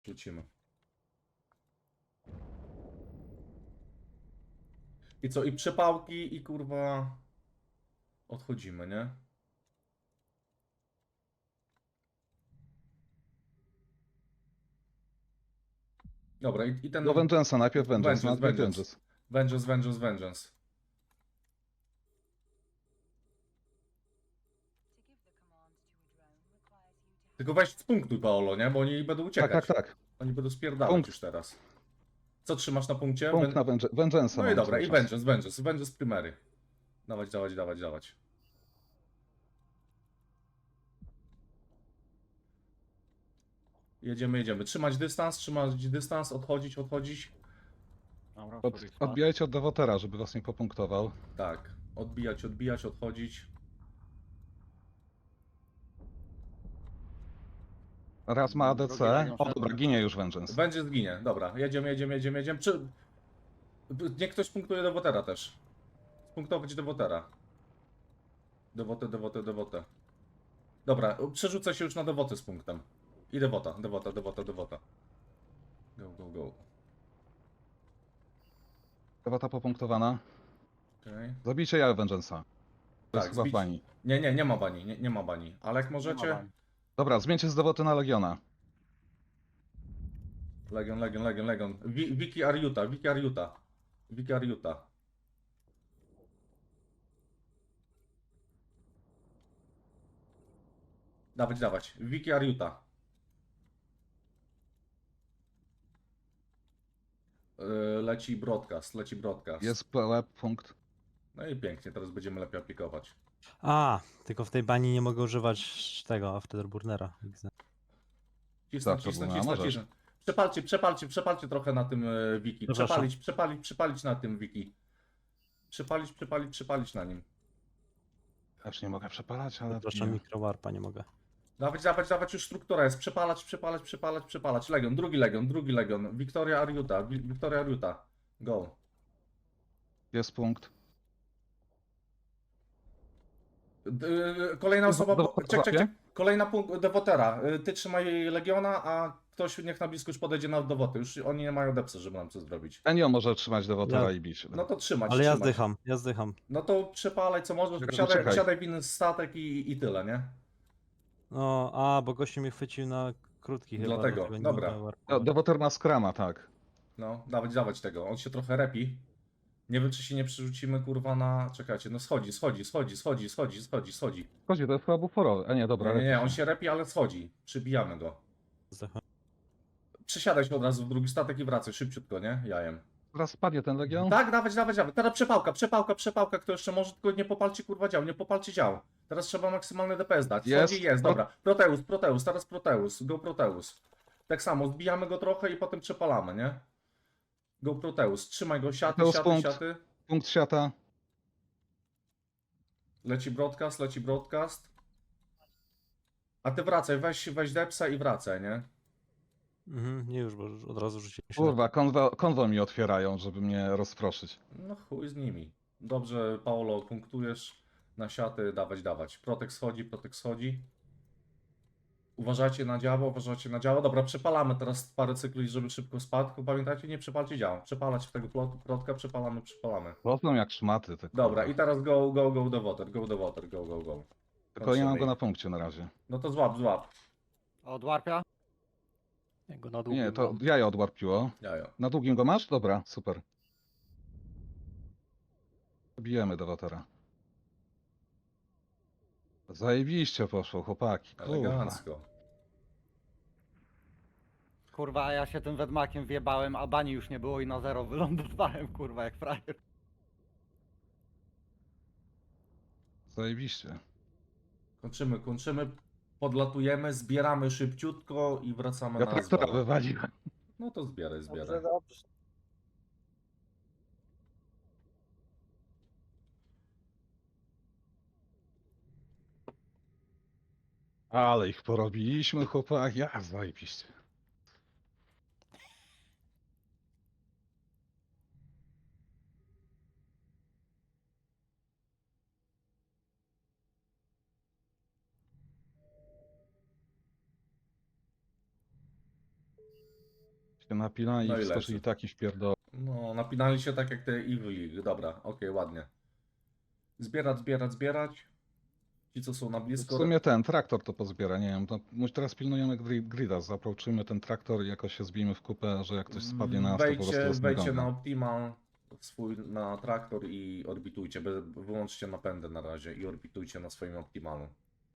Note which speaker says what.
Speaker 1: Rzucimy. I co? I przepałki i kurwa... Odchodzimy, nie? Dobra, i
Speaker 2: Do
Speaker 1: ten...
Speaker 2: Vengeance'a, najpierw Vengeance,
Speaker 1: Vengeance,
Speaker 2: najpierw
Speaker 1: Vengeance.
Speaker 2: Vengeance.
Speaker 1: Vengeance, Vengeance, Vengeance. Tylko weź z punktu, Paolo, nie? Bo oni będą uciekać.
Speaker 2: Tak.
Speaker 1: Oni będą spierdalać
Speaker 2: Punkt.
Speaker 1: już teraz. Co trzymasz na punkcie?
Speaker 2: Punkt na Vengeance'a
Speaker 1: No i
Speaker 2: mam
Speaker 1: dobra,
Speaker 2: cały
Speaker 1: i
Speaker 2: czas.
Speaker 1: Vengeance, Vengeance, Vengeance primery. Dawać, dawać, dawać, dawać. Jedziemy, jedziemy. Trzymać dystans, odchodzić, odchodzić.
Speaker 3: Dobra,
Speaker 2: Odbijajcie od Devotera, żeby was nie popunktował.
Speaker 1: Tak. Odbijać, odbijać, odchodzić.
Speaker 2: Raz ma ADC.
Speaker 3: Drugi legion
Speaker 2: O
Speaker 3: wszedł.
Speaker 2: dobra, ginie już Vengeance.
Speaker 1: Będzie zginie. Dobra, jedziemy, jedziemy, jedziemy, jedziemy. Niech ktoś punktuje Devotera też. Punktować Devotera. Dewotę. Dobra, przerzucę się już na Dewoty z punktem. I Devota. Go.
Speaker 2: Devota popunktowana.
Speaker 1: Okay.
Speaker 2: Zabijcie ja Vengeance'a. To jest chyba w
Speaker 1: zbić.
Speaker 2: bani.
Speaker 1: Nie ma bani, nie ma bani. Ale jak możecie...
Speaker 2: Dobra, zmieńcie z Devoty na Legiona.
Speaker 1: Legion. Wiki Ariuta. Dawać. Wiki Ariuta. Leci broadcast.
Speaker 2: Jest web punkt.
Speaker 1: No i pięknie, teraz będziemy lepiej aplikować.
Speaker 4: A, tylko w tej bani nie mogę używać tego Afterburnera.
Speaker 2: Tak, to było, a możesz.
Speaker 1: Przepalcie trochę na tym wiki.
Speaker 4: Przepraszam.
Speaker 1: Przepalić na tym wiki. Przepalić na nim.
Speaker 2: Ja już nie mogę przepalać, ale...
Speaker 4: Proszę, mikrowarpa nie mogę.
Speaker 1: Dawać, już struktura jest. Przepalać. Legion, drugi legion. Wiktoria Ariuta. Go.
Speaker 2: Jest punkt.
Speaker 1: Kolejna osoba.
Speaker 2: Czek.
Speaker 1: Kolejna punkt Devotera. Ty trzymaj Legiona, a ktoś niech na blisko już podejdzie na Dewoty. Już oni nie mają depsy, żeby nam coś zrobić.
Speaker 2: Enio może trzymać Devotera
Speaker 4: Ja-
Speaker 2: i bić.
Speaker 1: No to trzymać.
Speaker 4: Ale ja
Speaker 1: trzymać.
Speaker 4: zdycham.
Speaker 1: No to przepalaj co możesz,
Speaker 2: Czekaj.
Speaker 1: siadaj w inny statek i tyle, nie?
Speaker 4: No, bo gościu mnie chwycił na krótki chyba.
Speaker 1: Dlatego,
Speaker 4: nie
Speaker 1: dobra.
Speaker 4: mogę warpować.
Speaker 2: Devoter ma Scrama, tak.
Speaker 1: No, dawać tego. On się trochę repi. Nie wiem, czy się nie przerzucimy, kurwa, na... Czekajcie, no schodzi.
Speaker 2: Chodzi, to jest chyba buforowy. A nie, dobra.
Speaker 1: Nie, on się repi, ale schodzi. Przybijamy go.
Speaker 4: Zdycham.
Speaker 1: Przesiadaj się od razu w drugi statek i wracaj szybciutko, nie? Jajem.
Speaker 2: Zaraz spadnie ten Legion.
Speaker 1: Tak, dawać. Teraz przepałka, kto jeszcze może, tylko nie popalcie kurwa dział, nie popalcie dział. Teraz trzeba maksymalny DPS dać. Jest, dobra. Proteus, teraz Proteus, go Proteus. Tak samo, zbijamy go trochę i potem przepalamy, nie? Go Proteus, trzymaj go, siaty.
Speaker 2: Punkt siata.
Speaker 1: Leci broadcast. A ty wracaj, weź depsa i wracaj, nie?
Speaker 4: Nie już, bo już od razu rzuciłem się.
Speaker 2: Kurwa, konwo mi otwierają, żeby mnie rozproszyć.
Speaker 1: No chuj z nimi. Dobrze, Paolo, punktujesz na siaty, dawać. Protek schodzi. Uważajcie na działo. Dobra, przepalamy teraz parę cykli, żeby szybko spadł. Pamiętajcie, nie przepalcie działo. Przepalać w tego protka, przepalamy.
Speaker 2: Rosną jak szmaty. Te
Speaker 1: Dobra,
Speaker 2: kurwa.
Speaker 1: i teraz go the water, go.
Speaker 2: Tylko nie mam go na punkcie na razie.
Speaker 1: No to złap.
Speaker 3: Od warpia?
Speaker 4: Ja go na długim
Speaker 2: Nie, to
Speaker 4: mam.
Speaker 2: jajo odwarpiło.
Speaker 1: Jajo.
Speaker 2: Na długim go masz? Dobra, super. Bijemy Devotera. Zajebiście poszło, chłopaki. Kurwa.
Speaker 1: Elegancko.
Speaker 3: Kurwa, a ja się tym wedmakiem wjebałem, a bani już nie było i na zero wylądowałem, kurwa, jak frajer.
Speaker 2: Zajebiście.
Speaker 1: Kończymy. Podlatujemy, zbieramy szybciutko i wracamy
Speaker 2: Ja
Speaker 1: na
Speaker 2: traktora
Speaker 1: zbawę.
Speaker 2: wywaliłem.
Speaker 1: No to zbieraj.
Speaker 5: Dobrze.
Speaker 2: Ale ich porobiliśmy, chłopaki. Ja, zajebiście. Się napina i
Speaker 1: No i
Speaker 2: wskoczyli
Speaker 1: leży.
Speaker 2: taki wpierdol.
Speaker 1: No, napinali się tak jak te Evil. Dobra, okej, ładnie. Zbierać. Ci, co są na
Speaker 2: W
Speaker 1: blisko.
Speaker 2: sumie ten traktor to pozbiera, nie wiem. To, teraz pilnujemy grida, zaproczymy ten traktor i jakoś się zbijmy w kupę, że jak ktoś spadnie na nas, to po prostu nas
Speaker 1: Wejdźcie
Speaker 2: nagonią.
Speaker 1: na Optimal, swój na traktor i orbitujcie. Wyłączcie napędy na razie i orbitujcie na swoim Optimalu.